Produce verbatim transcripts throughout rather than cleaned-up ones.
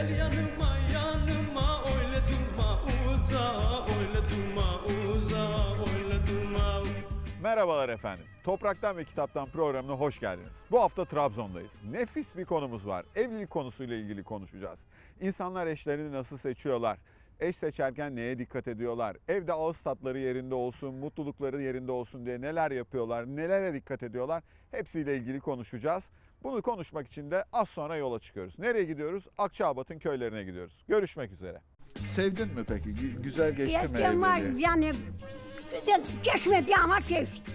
Gel yanıma yanıma öyle durma uza, öyle durma uza, öyle durma. Merhabalar efendim. Topraktan ve Kitaptan programına hoş geldiniz. Bu hafta Trabzon'dayız. Nefis bir konumuz var. Evlilik konusuyla ilgili konuşacağız. İnsanlar eşlerini nasıl seçiyorlar? Eş seçerken neye dikkat ediyorlar? Evde ağız tatları yerinde olsun, mutlulukları yerinde olsun diye neler yapıyorlar? Nelere dikkat ediyorlar? Hepsiyle ilgili konuşacağız. Bunu konuşmak için de az sonra yola çıkıyoruz. Nereye gidiyoruz? Akçaabat'ın köylerine gidiyoruz. Görüşmek üzere. Sevdin mi peki? Gü- Güzel geçti mi Ama evliliği? yani güzel geçmedi ama geçti.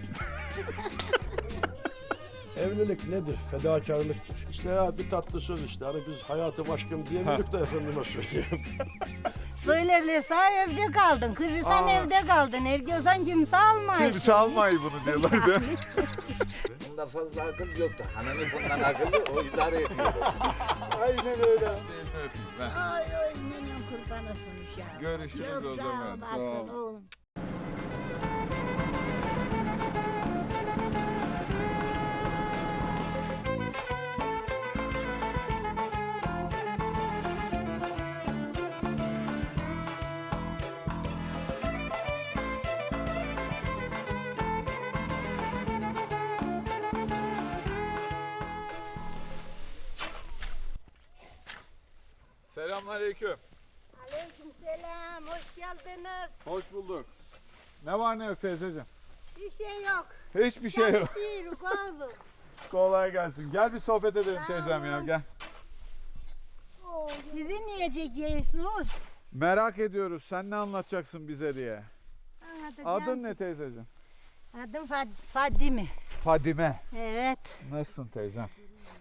Evlilik nedir? Fedakarlıktır. İşte ya bir tatlı söz işte. Hani biz hayatım aşkım diyemiyorduk da efendime söyleyeyim. Söylerlerse evde kaldın, kızı sen Aa. evde kaldın, ergiyorsan kimse almayız. Kimse almayı bunu diyorlar değil mi? Bunda fazla akıl yoktu. Hanımı bundan akıllı, o idare ediyor. Aynen öyle. Elini öpeyim ben. Ay ay nenem kurban olsun uşağım. Görüşürüz Çok o sağ zaman, sağ olasın ol. oğlum. Selamünaleyküm. Aleykümselam, hoş geldiniz. Hoş bulduk. Ne var ne yok teyzeciğim? Bir şey yok. Hiçbir şey yok. Çalışıyoruz oğlum. Kolay gelsin. Gel bir sohbet edelim Sağ teyzem ya olun. gel. Sizi niye çekiyorsunuz? Merak ediyoruz sen ne anlatacaksın bize diye. Anlatacağım. Adın ne teyzeciğim? Adım Fad Fadime. Fadime. Evet. Nasılsın teyzem?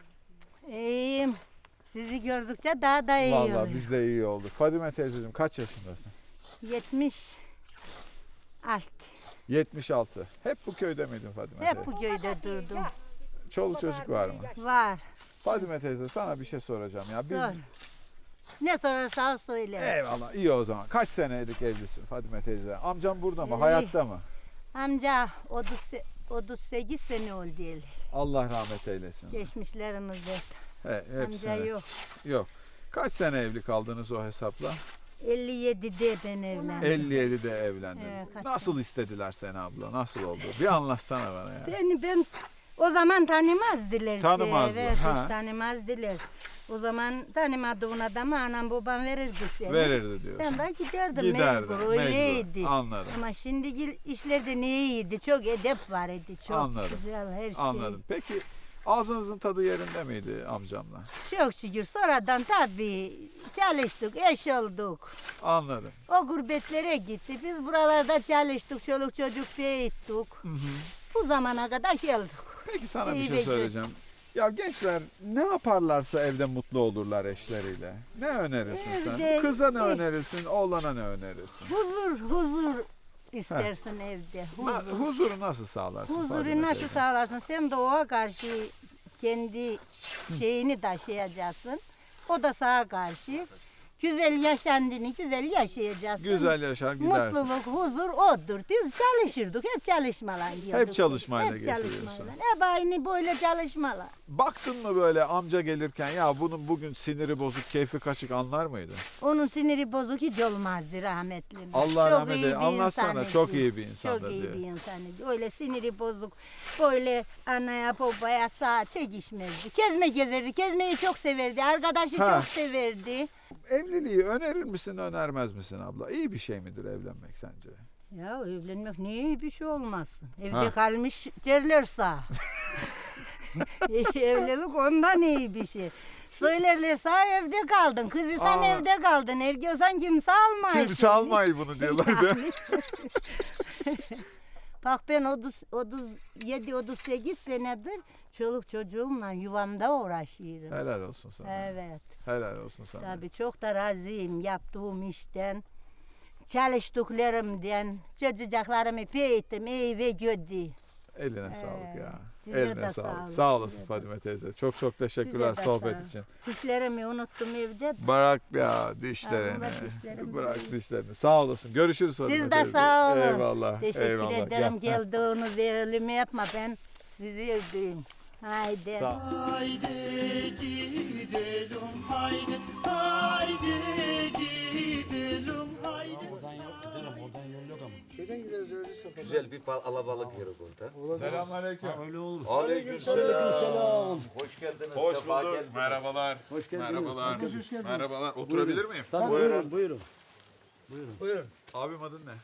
İyiyim. Sizi gördükçe daha da iyi Vallahi oluyor. biz de iyi olduk. Fadime teyzeciğim kaç yaşındasın? yetmiş alt. yetmiş altı. Hep bu köyde miydin Fadime Hep teyze? bu köyde durdum. Çoluk çocuk var mı? Var. Fadime teyze sana bir şey soracağım ya. Biz... Sor. Ne sorarsan söyle. Eyvallah iyi o zaman. Kaç senelik evlisin Fadime teyze? Amcam burada mı? Evli. Hayatta mı? Amca otuz, otuz sekiz sene oldu el. Allah rahmet eylesin. Geçmişlerimiz hep. He, hepsine. Amca yok. Yok. Kaç sene evli kaldınız o hesapla? elli yedide ben evlendim. elli yedide evlendin. Evet, kaç Nasıl istediler seni abla? Nasıl oldu? Bir anlatsana bana ya. Beni ben o zaman tanımazdılar. Tanımazdı, Evet, ha. hiç tanımazdılar. O zaman tanımadığın adamı anam babam verirdi seni. Verirdi diyorsun. Sen de giderdin, Giderdin, mecbur, öyleydi. mecbur. Anladım. Ama şimdiki işlerde ne iyiydi, çok edep var idi, çok Anladım. güzel her şey. Anladım. Peki ağzınızın tadı yerinde miydi amcamla? Çok şükür sonradan tabii çalıştık, eş olduk. Anladım. O gurbetlere gitti, biz buralarda çalıştık, çoluk çocuk büyüttük. Bu zamana kadar geldik. Peki sana bir İyi şey ve söyleyeceğim. Ya gençler ne yaparlarsa evde mutlu olurlar eşleriyle. Ne önerirsin sen? Evde- Kıza ne Eh. önerirsin, oğlana ne önerirsin? Huzur, huzur istersin evde, Na- huzur. huzuru nasıl sağlarsın? Huzuru Fadime nasıl teyze? sağlarsın? Sen de ona karşı kendi şeyini taşıyacaksın. O da sana karşı. Güzel yaşandığını güzel yaşayacaksın. Güzel yaşar gidersin. Mutluluk, huzur odur. Biz çalışırdık. Hep çalışmalar diyorduk. Hep çalışmayla Hep geçiriyorsun. çalışmayla. Hep aynı böyle çalışmalar. Baktın mı böyle amca gelirken ya bunun bugün siniri bozuk, keyfi kaçık anlar mıydın? Onun siniri bozuk hiç olmazdı rahmetli. Allah Çok rahmet iyi eylesin. bir Anlatsana, insanıydı. çok iyi bir insandır Çok iyi diyor. bir insanıydı. Öyle siniri bozuk. Böyle anaya babaya sağ çekişmezdi. Kezme gezerdi. Kezmeyi çok severdi. Arkadaşı Ha. çok severdi. Evliliği önerir misin, önermez misin abla? İyi bir şey midir evlenmek sence? Ya evlenmek niye iyi bir şey olmasın? Evde Ha. kalmış derler sağ. Evlilik ondan iyi bir şey. Söylerler sağ evde kaldın. Kızı sen Aa. evde kaldın. Ergiyorsan kimse almayız. Kimse almayı bunu diyorlar değil mi? Bak ben otuz, otuz yedi otuz sekiz senedir çoluk çocuğumla yuvamda uğraşıyorum. Helal olsun sana. Evet. Helal olsun sana. Tabii çok da razıyım yaptığım işten. Çalıştıklarımdan, çocuklarımı büyüttüm, iyi ve kötü. Eline sağlık ya. Evet, size Eline de sağlık. sağlık, Sağ olasın size de Fadime teyze. Çok çok teşekkürler Size de sohbet sağ ol. için. Dişlerimi unuttum evde. Bırak ya dişlerini. Ama dişlerim Bırak değil. dişlerini. Sağ olasın. Görüşürüz Fadime Siz de teyze. sağ olun. Eyvallah. Teşekkür eyvallah. ederim Gel. geldiğiniz ölümü yapma ben sizi öldüreyim. Haydi. Sağ ol. Haydi gidelim haydi haydi gidelim haydi. Oradan yok gidelim, oradan yol yok ama. Şeyden gideriz öyle sefer. Güzel bir bal- alabalık yeri burada. Selamünaleyküm. Öyle olur. Aleykümselam. Hoş geldiniz. Hoş sefa bulduk. geldiniz. Merhabalar. Hoş geldiniz. Merhabalar. Hoş geldiniz. Merhabalar. Oturabilir miyim? Tabii buyurun, buyurun. Buyurun. Abim adın ne?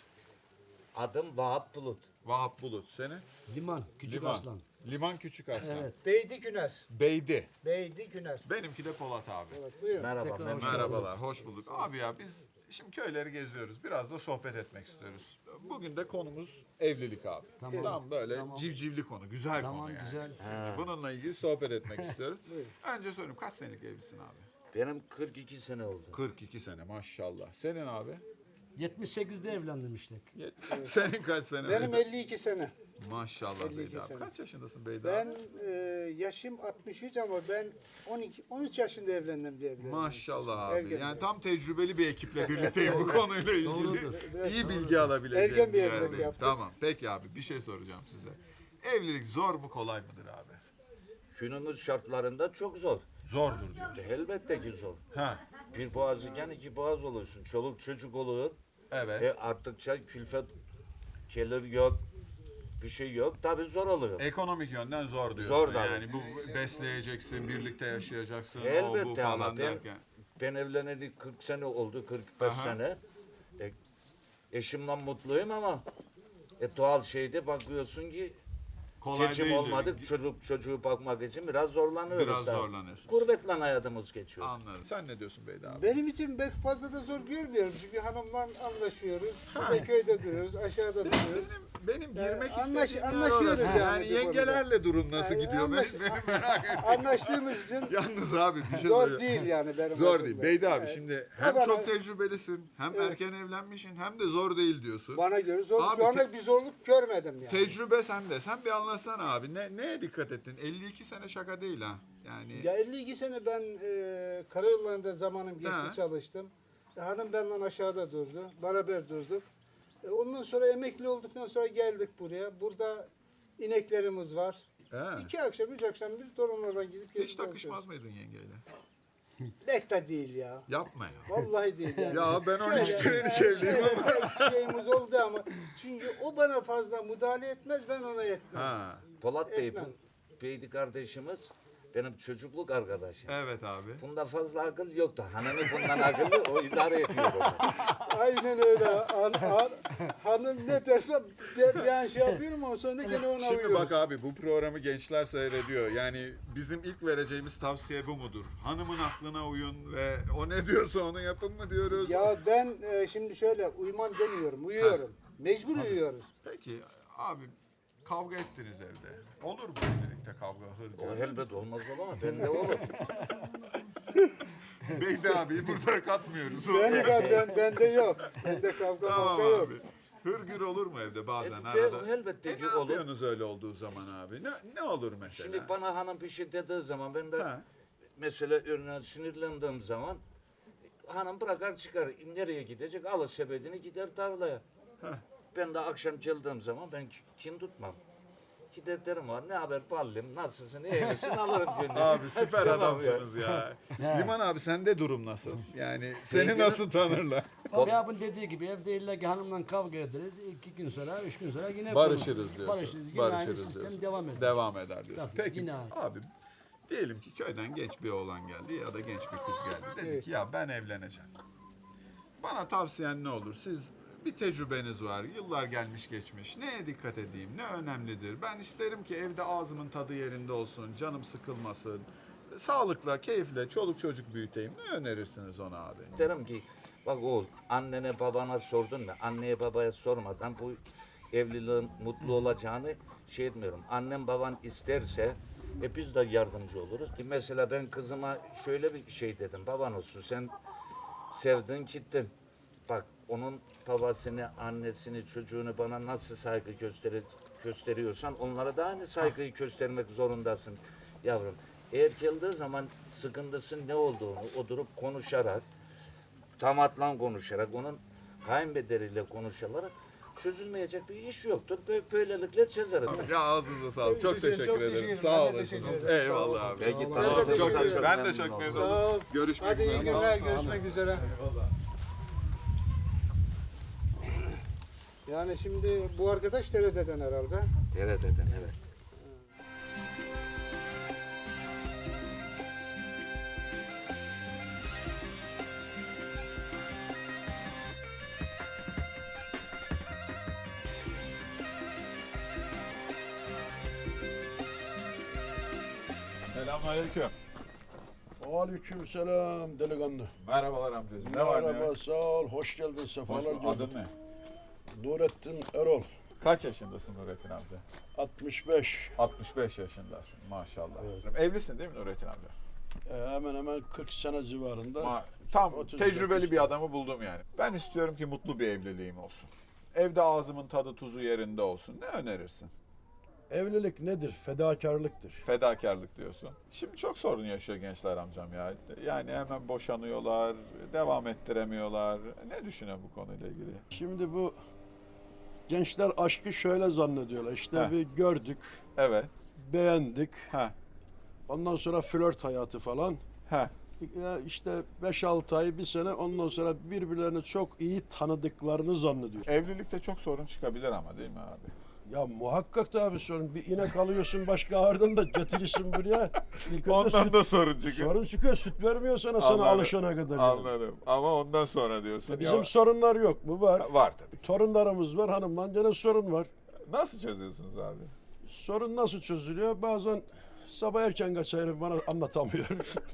Adım Vahap Bulut. Vahap Bulut. Senin? Liman, Küçük Liman. Aslan. Liman Küçük Aslan. Evet. Beydi Güner. Beydi. Beydi Güner. Benimki de Polat abi. Evet buyurun. Merhaba. Tekrar memnun hoş oldum. Merhabalar. Hoş bulduk. Abi ya biz şimdi köyleri geziyoruz. Biraz da sohbet etmek istiyoruz. Bugün de konumuz evlilik abi. Tamam. Tam böyle Tamam. civcivli konu. Güzel Tamam, konu yani. güzel. Şimdi bununla ilgili sohbet etmek istiyoruz. Önce sorayım kaç senelik evlisin abi? Benim kırk iki sene oldu. kırk iki sene maşallah. Senin abi? yetmiş sekizde evlendim işte. Senin kaç sene? Benim elli iki sene. Maşallah elli iki Beyda abi. sene. Kaç yaşındasın Beyda Ben abi? e, yaşım altmış üç ama ben on iki on üç yaşında evlendim diye biliyorum. Maşallah abi. Ergen Yani bir- tam tecrübeli bir ekiple birlikteyim bu konuyla ilgili. Doğrudur. İyi bilgi alabileceğim Ergen bir bir evlilik yerdeyim. yaptık. Tamam. Peki abi bir şey soracağım size. Evlilik zor mu kolay mıdır abi? Günümüz şartlarında çok zor. Zordur diyor. Elbette ki zor. Ha. Bir boğaz iken iki boğaz olursun. Çoluk çocuk olur. Evet. E arttıkça külfet gelir yok. Bir şey yok. Tabii zor oluyor. Ekonomik yönden zor diyorsun. Zor tabii. yani bu besleyeceksin, birlikte yaşayacaksın, o bu Elbette falan ama ben, derken. ben evleneli kırk sene oldu, kırk beş Aha. sene. E, eşimle mutluyum ama e, doğal şeyde bakıyorsun ki Kolay geçim değil. olmadık. Çocuk çocuğu bakmak için biraz zorlanıyoruz. Biraz tabii. zorlanıyorsunuz. Gurbetle hayatımız geçiyor. Anladım. Sen ne diyorsun Beyda abi? Benim için pek fazla da zor görmüyorum çünkü hanımla anlaşıyoruz. Bir de köyde duruyoruz, aşağıda duruyoruz. Benim, benim girmek Yani anlaş- istediğim yer anlaşıyoruz orası. yani Yani bu konuda. yengelerle durum nasıl Yani gidiyor? anlaş- Benim, benim merak ettim. Anlaştığımız için Yalnız abi bir şey zor söyleyeyim. değil yani benim Zor açımdan. değil. Beyda abi Evet. şimdi hem bana- çok tecrübelisin, hem erken evlenmişsin, hem de zor değil diyorsun. Bana göre zor. Abi Şu anda te- bir zorluk görmedim yani. Tecrübe sende. Sen bir anlatsana abi. Ne, neye dikkat ettin? elli iki sene şaka değil ha. Yani Ya elli iki sene ben e, karayollarında zamanım geçti Ha. çalıştım. E, hanım benden aşağıda durdu. Beraber durduk. E, ondan sonra emekli olduktan sonra geldik buraya. Burada ineklerimiz var. he. İki akşam, üç akşam bir torunlardan gidip Hiç gelip takışmaz mıydın yengeyle? Pek de değil ya. Yapma ya. Vallahi değil yani. Ya ben on üç Şöyle- senelik evliyim ama. şöyle şeyimiz oldu ama çünkü o bana fazla müdahale etmez, ben ona etmem. Ha. Polat Bey, Etmem. bu Beydi kardeşimiz benim çocukluk arkadaşım. Evet abi. Bunda fazla akıl yoktu. Hanımı bundan akıllı, o idare ediyor onu. Aynen öyle. Han, han- hanım ne derse ben, ben şey yapıyorum ama sonra gene ona Şimdi uyuyoruz. bak abi bu programı gençler seyrediyor. Yani bizim ilk vereceğimiz tavsiye bu mudur? Hanımın aklına uyun ve o ne diyorsa onu yapın mı diyoruz? Ya ben e, şimdi şöyle uyumam demiyorum, uyuyorum. Mecbur uyuyoruz. Peki abi kavga ettiniz evde. Olur mu evlilikte kavga? Hır O elbet olmaz ama bende olur. Beydi abi burada katmıyoruz. Beni ben, ben bende yok. Bende kavga Tamam mavga yok. abi. Hırgür olur mu evde bazen E, arada? elbette E, ki ne olur. yapıyorsunuz öyle olduğu zaman abi? Ne, ne olur mesela? Şimdi bana hanım bir şey dediği zaman ben de Ha. mesela örneğin sinirlendiğim zaman hanım bırakar çıkar. Nereye gidecek? Alır sepetini gider tarlaya. Ben de akşam geldiğim zaman ben kin tutmam. Gider derim ha ne haber ballim nasılsın iyi misin alırım gönlünü. Abi süper Tamam ya. adamsınız ya. Liman abi sende durum nasıl? Yani seni Benim- nasıl tanırlar? Tabii abin dediği gibi evde illa ki hanımla kavga ederiz. İki gün sonra, üç gün sonra yine Barışırız konuşuruz. diyorsun. Barışırız. Yine aynı Barışırız sistem diyorsun. devam eder. Devam eder diyorsun. Tabii, Peki yine aynı. abi diyelim ki köyden genç bir oğlan geldi ya da genç bir kız geldi. Dedi ki ya ben evleneceğim. Bana tavsiyen ne olur? Siz bir tecrübeniz var. Yıllar gelmiş geçmiş. Neye dikkat edeyim? Ne önemlidir? Ben isterim ki evde ağzımın tadı yerinde olsun. Canım sıkılmasın. Sağlıkla, keyifle çoluk çocuk büyüteyim. Ne önerirsiniz ona abi? Derim ki bak oğul annene babana sordun mu? Anneye babaya sormadan bu evliliğin mutlu olacağını şey etmiyorum. Annem baban isterse e biz de yardımcı oluruz. Ki mesela ben kızıma şöyle bir şey dedim. Baban olsun sen sevdin gittin. Bak onun babasını, annesini, çocuğunu bana nasıl saygı gösterir, gösteriyorsan onlara da aynı saygıyı göstermek zorundasın yavrum. Eğer geldiği zaman sıkıntısının ne olduğunu oturup konuşarak, tamatla konuşarak, onun kayınbederiyle konuşarak çözülmeyecek bir iş yoktur. Bö- Böylelikle çözeriz. Ya ağzınıza sağlık. Çok teşekkür çok ederim. teşekkür Sağ ederim. Ben de olasın. teşekkür ederim. Eyvallah abi. Peki, Çok, tamam. çok, Çok teşekkür. Ben de memnun çok oldum. memnun Sağ ol. oldum. Görüşmek Hadi iyi üzere. günler, görüşmek üzere. Yani şimdi bu arkadaş T R T'den herhalde. T R T'den evet. Selamünaleyküm. Aleyküm selam delikanlı. Merhabalar amcacığım. Ne var ne Merhaba, yok? sağ ol. Hoş geldin, Hoş sefalar bulduk. geldin. Adın ne? Nurettin Erol, Kaç yaşındasın Nurettin amca? altmış beş. altmış beş yaşındasın maşallah. Evlisin değil mi Nurettin amca? Ee, hemen hemen kırk sene civarında. Ma- Tam otuz tecrübeli dokuz. bir adamı buldum yani. Ben istiyorum ki mutlu bir evliliğim olsun. Evde ağzımın tadı tuzu yerinde olsun. Ne önerirsin? Evlilik nedir? Fedakarlıktır. Fedakarlık diyorsun. Şimdi çok sorun yaşıyor gençler amcam ya. Yani hemen boşanıyorlar, devam ettiremiyorlar. Ne düşünüyor bu konuyla ilgili? Şimdi bu gençler aşkı şöyle zannediyorlar. İşte Heh. bir gördük, Evet. beğendik. Ha. Ondan sonra flört hayatı falan. Ha. Ya işte beş altı ay, bir sene, ondan sonra birbirlerini çok iyi tanıdıklarını zannediyor. Evlilikte çok sorun çıkabilir ama değil mi abi? Ya muhakkak da abi sorun. Bir inek alıyorsun başka ağırdan da getirirsin buraya. İlk önce Ondan süt- da sorun çıkıyor. Sorun çıkıyor. Süt vermiyor sana sana Anladım. alışana kadar. yani. Anladım. Ama ondan sonra diyorsun. Bizim Ya- sorunlar yok mu? Var. var tabii. Torunlarımız var. Hanımla gene sorun var. Nasıl çözüyorsunuz abi? Sorun nasıl çözülüyor? Bazen sabah erken kaçarım, bana anlatamıyor.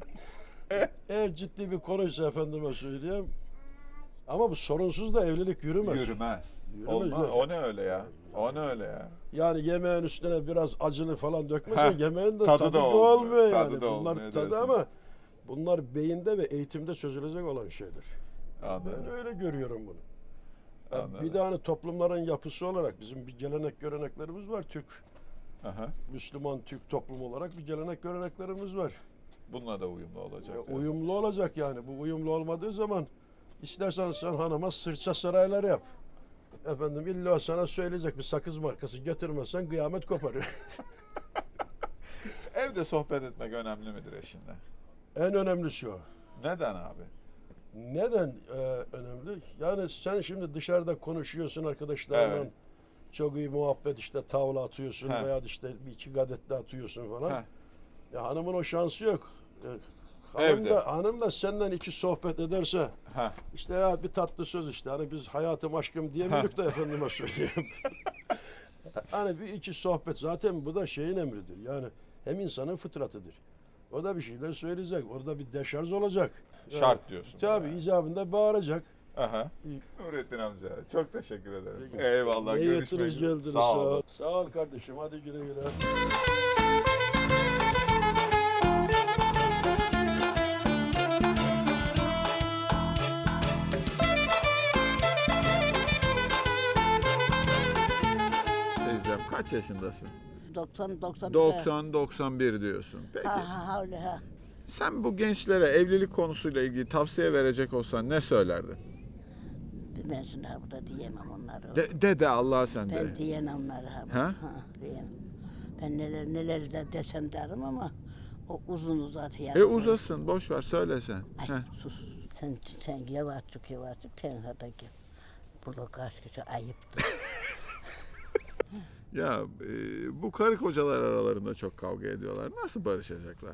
Eğer ciddi bir konuysa efendime söyleyeyim. Ama bu sorunsuz da evlilik yürümez. Yürümez. Yürümez, Olmaz. yok. O ne öyle ya? O ne öyle ya? Yani yemeğin üstüne biraz acılı falan dökmesen Heh, yemeğin de tadı tadı, da da olmuyor, olmuyor yani. tadı da bunlar olmuyor tadı diyorsun. ama bunlar beyinde ve eğitimde çözülecek olan şeydir. Anladım. Ben öyle görüyorum bunu. Ya Anladım. bir de hani toplumların yapısı olarak bizim bir gelenek göreneklerimiz var. Türk, Aha. Müslüman Türk toplum olarak bir gelenek göreneklerimiz var. Bununla da uyumlu olacak. Ya, yani. uyumlu olacak yani. Bu uyumlu olmadığı zaman istersen sen hanıma sırça saraylar yap. Efendim illa sana söyleyecek bir sakız markası getirmezsen kıyamet koparır. Evde sohbet etmek önemli midir eşinle? En önemlisi o. Neden abi? Neden e, önemli? Yani sen şimdi dışarıda konuşuyorsun arkadaşlarla. Evet. Çok iyi muhabbet, işte tavla atıyorsun He. veya işte bir iki gadet de atıyorsun falan. Heh. Ya hanımın o şansı yok. E, hanım Evde. da, hanım da senden iki sohbet ederse Ha. işte ya bir tatlı söz işte hani biz hayatım aşkım diyemiyoruz da efendime söyleyeyim. Hani bir iki sohbet zaten bu da şeyin emridir. Yani hem insanın fıtratıdır. O da bir şeyler söyleyecek. Orada bir deşarj olacak. Yani, Şart diyorsun. tabii yani. icabında bağıracak. Aha. Nurettin amca çok teşekkür ederim. Peki. Eyvallah. İyi Görüşmek ettiniz, üzere. geldiniz. Sağ olun. ol. Sağ ol kardeşim. Hadi güle güle. Teyzem kaç yaşındasın? doksan doksan. doksan doksan bir diyorsun. Peki. Ha ha ha öyle ha. Sen bu gençlere evlilik konusuyla ilgili tavsiye verecek olsan ne söylerdin? Ben şimdi ha burada diyemem onları. De, de de Allah sen de. Ben diyemem onları ha. Ha? Ha, diyemem. Ben neler neler de desem derim ama o uzun uzat yani. E uzasın boş ver söyle sen. Ay Heh. sus. Sen sen yavaşçık yavaşçık tenhada gel. Burada karşı ayıptır. Ya e, bu karı kocalar aralarında çok kavga ediyorlar. Nasıl barışacaklar?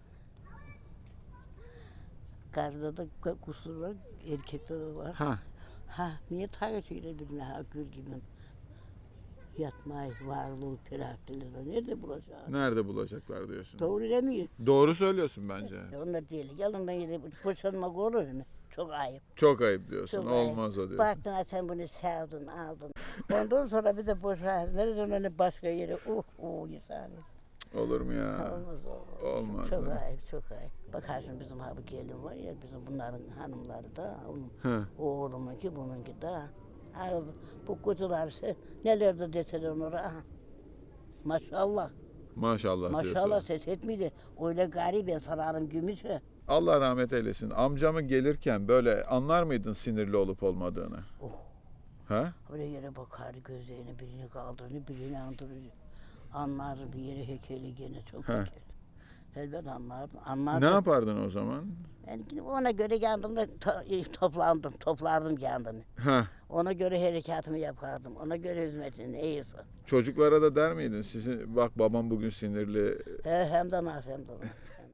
Karıda da kusur var, erkekte de var. Ha. Ha, niye tartışıyorlar birbirine ha gül gibi? Yatmayı, varlığı, ferahlılığı nerede bulacağız? Nerede bulacaklar diyorsun? Doğru demiyor. Doğru söylüyorsun bence. E, Onlar değil. Yalandan yere boşanmak olur mu? Çok ayıp. Çok ayıp diyorsun. Çok Olmaz ayıp. o diyorsun. Baktın ha sen bunu sevdin, aldın. Ondan sonra bir de boşar. Nereden hani başka yere uh uh insan. Olur mu ya? Olmaz olmaz. Olmaz. Çok ha. ayıp, çok ayıp. Bak şimdi bizim ha bu gelin var ya, bizim bunların hanımları da, onun, He. oğlumunki, bununki de. Ha, bu kutular şey, neler de deseler onlara. Aha. Maşallah. Maşallah, Maşallah diyorsun. ses etmedi. Öyle gari ben sararım gümüşü. Allah rahmet eylesin. Amcamı gelirken böyle anlar mıydın sinirli olup olmadığını? Ha? Öyle yere bakar, gözlerini birini kaldırır, birini andırır. Anlar bir yere hekeli gene çok Ha. hekeli. Elbet anlardım. Anlardım. Ne yapardın o zaman? Ben ona göre kendimde to- toplandım, toplardım kendimi. Ha. Ona göre harekatımı yapardım. Ona göre hizmetini neyse. Çocuklara da der miydin? Sizin bak babam bugün sinirli. He, hem de nasıl hem de nasıl.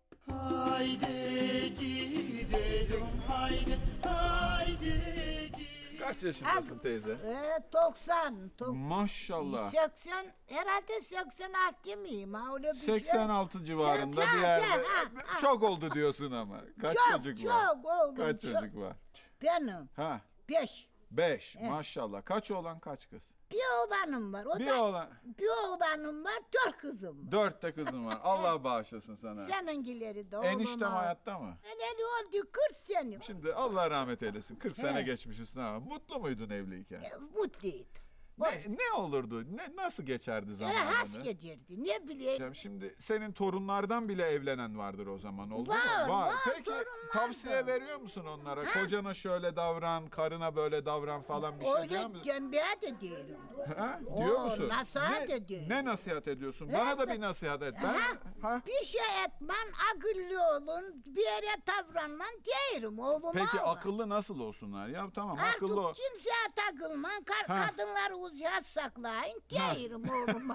Haydi gidelim haydi haydi. Kaç yaşındasın teyze? Ee, doksan, tok- Maşallah. seksen, herhalde seksen altı mıyım? Ha, öyle bir şey. seksen altı civarında seksen, bir yerde. ha, ha. Çok oldu diyorsun ama. Kaç Çok, çocuk var? çok oğlum, Kaç çok. çocuk var? Benim, Ha. beş. Beş. Maşallah. Kaç oğlan kaç kız? Bir oğlanım var. O Bir da, oğlan. bir oğlanım var, dört kızım var. Dört de kızın var. Allah bağışlasın sana. Seninkileri de oğlum. Eniştem hayatta mı? Eneli oldu kırk sene. Şimdi Allah rahmet eylesin. kırk sene He. geçmiş üstüne ama mutlu muydun evliyken? E, Mutluydu. Ne, ne olurdu? Ne, nasıl geçerdi E, zamanını? has geçirdi. Ne bileyim. Ya Şimdi senin torunlardan bile evlenen vardır o zaman, oldu Var, mu? var, Peki torunlar tavsiye da. veriyor musun onlara? Kocana şöyle davran, karına böyle davran falan bir şey diyor Öyle musun? tembeye de diyorum. Ha? Diyor Oo, musun? nasihat ne, ediyorum. ne nasihat ediyorsun? Bana da bir nasihat et. Ben, Ha, ha? Bir şey etmen, akıllı olun, bir yere davranman diyorum oğlum. Peki oğlum. akıllı nasıl olsunlar? Ya tamam Artık akıllı ol. kimseye takılman, kar Ha. kadınları uzak saklayın diyorum oğlum.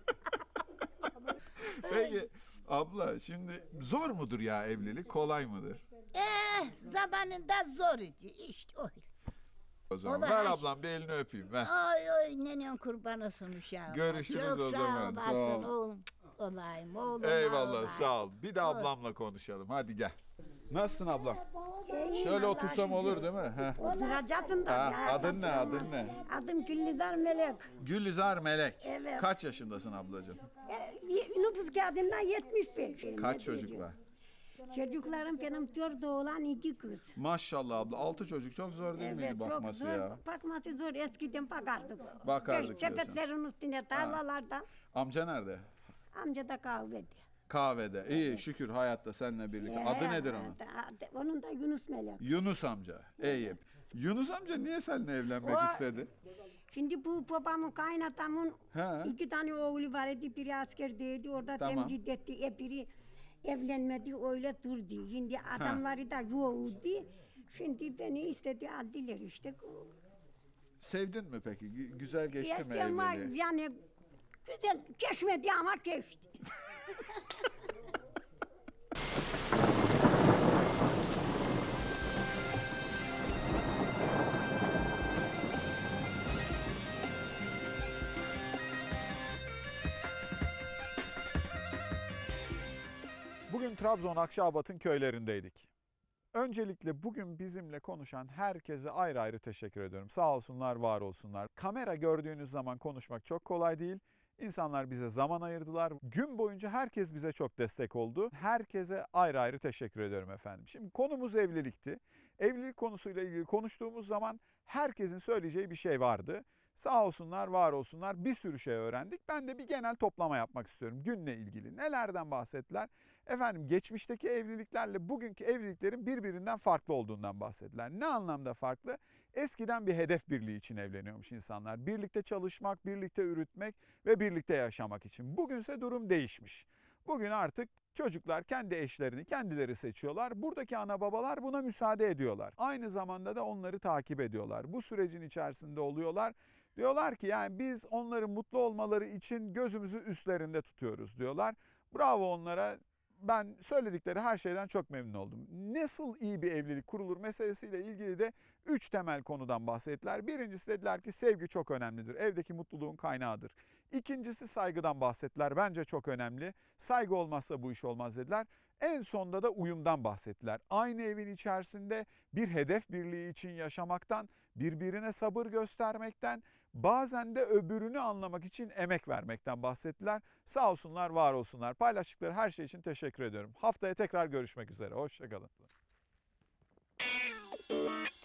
Peki abla şimdi zor mudur ya evlilik? Kolay mıdır? eh, zamanında zor idi işte öyle. O zaman da ver her- ablam bir elini öpeyim. Ver. Ay ay nenen kurban olsun uşağım. Görüşürüz Çok o sağ zaman, sağ olasın ol. oğlum. Olayım oğlum. Eyvallah olayım. sağ ol. Bir de ablamla konuşalım. Hadi gel. Nasılsın ablam? Şöyle otursam olur değil mi? Heh. Oturacaksın da. Ha, ya, adın ne adın ne? Adım Güllüzar Melek. Gülizar Melek. Evet. Kaç yaşındasın ablacığım? E, nüfus kağıdından yetmiş beş. Kaç çocuk var? Çocuklarım benim dört oğlan iki kız. Maşallah abla. Altı çocuk çok zor değil miydi çok bakması zor. ya? Bakması zor. Eskiden bakardık. Bakardık Beş diyorsun. sepetlerin üstüne tarlalarda. Amca nerede? Amca da kahvede. Kahvede. İyi şükür hayatta seninle birlikte. Adı Ee, nedir onun? adı- Onun da Yunus Melek. Yunus amca. İyi. Yunus amca niye seninle evlenmek O- istedi? Şimdi bu babamın kaynatamın Ha. iki tane oğlu var idi. Biri askerdeydi. Orada Tamam. temcid etti. E biri evlenmedi öyle durdu. Şimdi adamları da yoğurdu. Şimdi beni istedi aldılar işte. Sevdin mi peki? Gü- Güzel geçti mi Yaşam var, evliliği? yani güzel geçmedi ama geçti. Bugün Trabzon Akçaabat'ın köylerindeydik. Öncelikle bugün bizimle konuşan herkese ayrı ayrı teşekkür ediyorum. Sağ olsunlar, var olsunlar. Kamera gördüğünüz zaman konuşmak çok kolay değil. İnsanlar bize zaman ayırdılar. Gün boyunca herkes bize çok destek oldu. Herkese ayrı ayrı teşekkür ediyorum efendim. Şimdi konumuz evlilikti. Evlilik konusuyla ilgili konuştuğumuz zaman herkesin söyleyeceği bir şey vardı. Sağ olsunlar, var olsunlar, bir sürü şey öğrendik. Ben de bir genel toplama yapmak istiyorum günle ilgili. Nelerden bahsettiler? Efendim geçmişteki evliliklerle bugünkü evliliklerin birbirinden farklı olduğundan bahsettiler. Ne anlamda farklı? Eskiden bir hedef birliği için evleniyormuş insanlar. Birlikte çalışmak, birlikte üretmek ve birlikte yaşamak için. Bugünse durum değişmiş. Bugün artık çocuklar kendi eşlerini kendileri seçiyorlar. Buradaki ana babalar buna müsaade ediyorlar. Aynı zamanda da onları takip ediyorlar. Bu sürecin içerisinde oluyorlar. Diyorlar ki yani biz onların mutlu olmaları için gözümüzü üstlerinde tutuyoruz diyorlar. Bravo onlara. Ben söyledikleri her şeyden çok memnun oldum. Nasıl iyi bir evlilik kurulur meselesiyle ilgili de üç temel konudan bahsettiler. Birincisi dediler ki sevgi çok önemlidir. Evdeki mutluluğun kaynağıdır. İkincisi saygıdan bahsettiler. Bence çok önemli. Saygı olmazsa bu iş olmaz dediler. En sonda da uyumdan bahsettiler. Aynı evin içerisinde bir hedef birliği için yaşamaktan, birbirine sabır göstermekten, bazen de öbürünü anlamak için emek vermekten bahsettiler. Sağ olsunlar, var olsunlar. Paylaştıkları her şey için teşekkür ediyorum. Haftaya tekrar görüşmek üzere. Hoşça kalın.